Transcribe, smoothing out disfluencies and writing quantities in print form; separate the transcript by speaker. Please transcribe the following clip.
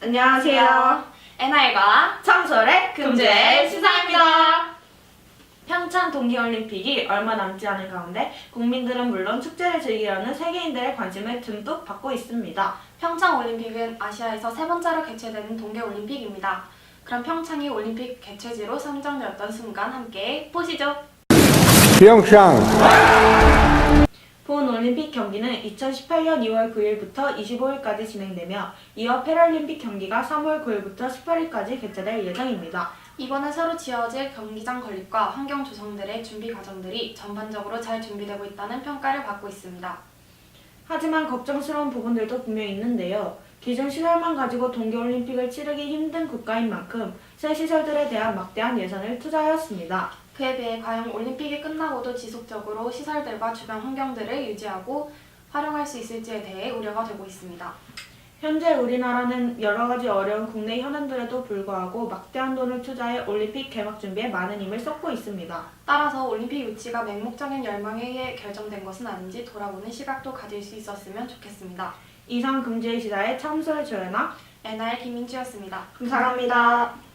Speaker 1: 안녕하세요.
Speaker 2: NR과
Speaker 1: 청솔의
Speaker 2: 금주의 시사입니다.
Speaker 1: 평창 동계올림픽이 얼마 남지 않은 가운데 국민들은 물론 축제를 즐기려는 세계인들의 관심을 듬뿍 받고 있습니다.
Speaker 2: 평창올림픽은 아시아에서 세 번째로 개최되는 동계올림픽입니다. 그럼 평창이 올림픽 개최지로 선정되었던 순간 함께 보시죠.
Speaker 3: 평창
Speaker 1: 본 올림픽 경기는 2018년 2월 9일부터 25일까지 진행되며 이어 패럴림픽 경기가 3월 9일부터 18일까지 개최될 예정입니다.
Speaker 2: 이번에 새로 지어질 경기장 건립과 환경 조성들의 준비 과정들이 전반적으로 잘 준비되고 있다는 평가를 받고 있습니다.
Speaker 1: 하지만 걱정스러운 부분들도 분명히 있는데요. 기존 시설만 가지고 동계올림픽을 치르기 힘든 국가인 만큼 새 시설들에 대한 막대한 예산을 투자하였습니다.
Speaker 2: 그에 비해 과연 올림픽이 끝나고도 지속적으로 시설들과 주변 환경들을 유지하고 활용할 수 있을지에 대해 우려가 되고 있습니다.
Speaker 1: 현재 우리나라는 여러 가지 어려운 국내 현안들에도 불구하고 막대한 돈을 투자해 올림픽 개막 준비에 많은 힘을 쏟고 있습니다.
Speaker 2: 따라서 올림픽 유치가 맹목적인 열망에 의해 결정된 것은 아닌지 돌아보는 시각도 가질 수 있었으면 좋겠습니다.
Speaker 1: 이상 금주의 시사의 참설 조연아
Speaker 2: NR 김민주였습니다.
Speaker 1: 감사합니다.